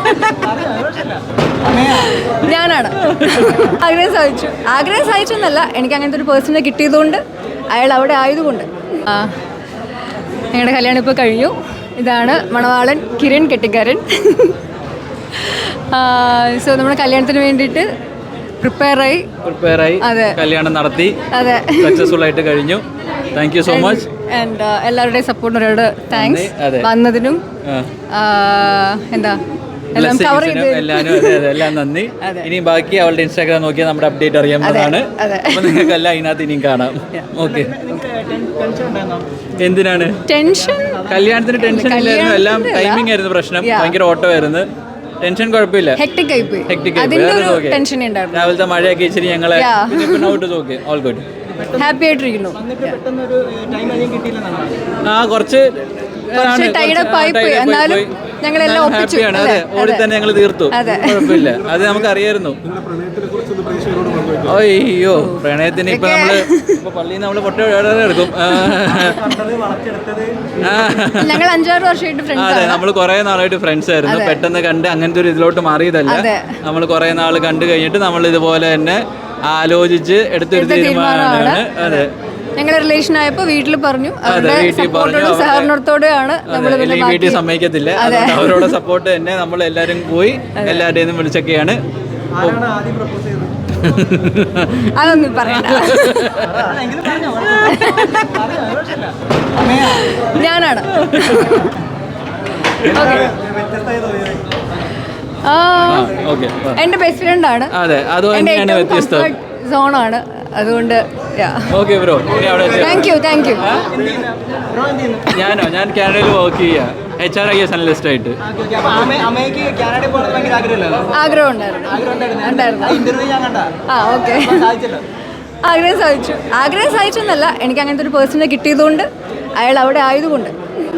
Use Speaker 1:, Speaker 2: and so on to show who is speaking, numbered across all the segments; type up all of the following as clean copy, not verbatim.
Speaker 1: ഞാനാണ്. ആഗ്രഹം സാധിച്ചു എന്നല്ല, എനിക്ക് അങ്ങനത്തെ ഒരു പേഴ്സണെ കിട്ടിയതുകൊണ്ട്, അയാൾ അവിടെ ആയതുകൊണ്ട്. ഞങ്ങളുടെ കല്യാണം ഇപ്പോൾ കഴിഞ്ഞു. ഇതാണ് മണവാളൻ കിരൺ കെട്ടിക്കാരൻ. സോ നമ്മുടെ കല്യാണത്തിന് വേണ്ടിയിട്ട് പ്രിപ്പയറായി.
Speaker 2: അതെ, കല്യാണം നടത്തി.
Speaker 1: അതെ,
Speaker 2: സക്സസ്ഫുൾ ആയിട്ട് കഴിഞ്ഞു. Thank you so much.
Speaker 1: And എല്ലാവരുടെയും സപ്പോർട്ടിനോട് താങ്ക്സ്. വന്നതിനും എന്താ എല്ലാം കവർ ചെയ്ത്
Speaker 2: എല്ലാം നന്ദി. ഇനി ബാക്കി അവളുടെ ഇൻസ്റ്റാഗ്രാം നോക്കിയാൽ നമ്മുടെ അപ്ഡേറ്റ് അറിയാവുന്നതാണ്. അപ്പൊ നിങ്ങൾക്ക് എല്ലാം ഇതിനകത്ത് ഇനിയും കാണാം. ഓക്കെ. എന്തിനാണ് ടെൻഷൻ? കല്യാണത്തിന് ടെൻഷൻ ഇല്ലായിരുന്നു. എല്ലാം ടൈമിംഗ് ആയിരുന്നു പ്രശ്നം. ഭയങ്കര ഓട്ടോ ആയിരുന്നു. ടെൻഷൻ കുഴപ്പമില്ല. രാവിലത്തെ മഴയൊക്കെ ഇച്ചിരി ഞങ്ങളെ ഓൾ ഗുഡ്.
Speaker 1: ഹാപ്പി ആയിട്ടിരിക്കുന്നു.
Speaker 2: കുറച്ച് ഹാപ്പിയാണ്. അതെ, ഓടി തന്നെ ഞങ്ങൾ തീർത്തു. കുഴപ്പമില്ല, അത് നമുക്ക് അറിയായിരുന്നു. അയ്യോ, പ്രണയത്തിന് ഇപ്പൊ നമ്മള് പള്ളിയിൽ നമ്മള് പൊട്ട എടുക്കും. അതെ, നമ്മള് കുറെ നാളായിട്ട് ഫ്രണ്ട്സ് ആയിരുന്നു. പെട്ടെന്ന് കണ്ട് അങ്ങനത്തെ ഒരു ഇതിലോട്ട് മാറിയതല്ല. നമ്മൾ കുറെ നാൾ കണ്ടു കഴിഞ്ഞിട്ട് നമ്മൾ ഇതുപോലെ തന്നെ ആലോചിച്ച് എടുത്തൊരു തീരുമാനമാണ്. അതെ,
Speaker 1: ഞങ്ങളുടെ റിലേഷൻ ആയപ്പോ വീട്ടിൽ പറഞ്ഞു, സഹകരണത്തോടെയാണ്.
Speaker 2: വീട്ടിൽ സമ്മതിക്കത്തില്ല, അവരോട് സപ്പോർട്ട് തന്നെ. നമ്മൾ എല്ലാരും പോയി എല്ലാവരുടെയും വിളിച്ചൊക്കെയാണ്.
Speaker 1: അതൊന്നും പറയണ്ട. ഞാനാണ്. എന്റെ ബെസ്റ്റ് ഫ്രണ്ട് ആണ്. സോണാണ്. അതുകൊണ്ട്
Speaker 2: ഞാൻ കാനഡയിൽ വർക്ക് ചെയ്യാ, HRIS അനലിസ്റ്റ് ആയിട്ട്.
Speaker 1: ആഗ്രഹം സാധിച്ചു എന്നല്ല, എനിക്ക് അങ്ങനത്തെ ഒരു പേഴ്സണെ കിട്ടിയതുകൊണ്ട്, അയാൾ അവിടെ ആയതുകൊണ്ട്.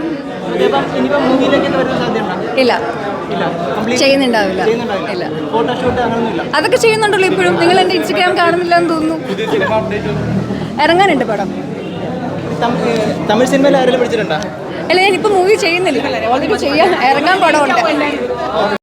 Speaker 1: ഇല്ല, ചെയ്യുന്നുണ്ടാവില്ല. ഇല്ല, അതൊക്കെ ചെയ്യുന്നുണ്ടല്ലോ ഇപ്പോഴും. നിങ്ങൾ എൻ്റെ ഇൻസ്റ്റഗ്രാം കാണുന്നില്ല എന്ന് തോന്നുന്നു. ഇറങ്ങാനുണ്ട് പടം.
Speaker 3: തമിഴ് സിനിമയിൽ ആരെങ്കിലും പിടിച്ചിട്ടുണ്ടോ?
Speaker 1: അല്ല, ഞാനിപ്പോൾ മൂവി ചെയ്യുന്നില്ല. ഓൾറെഡി ചെയ്യാൻ ഇറങ്ങാൻ പടമുണ്ട്.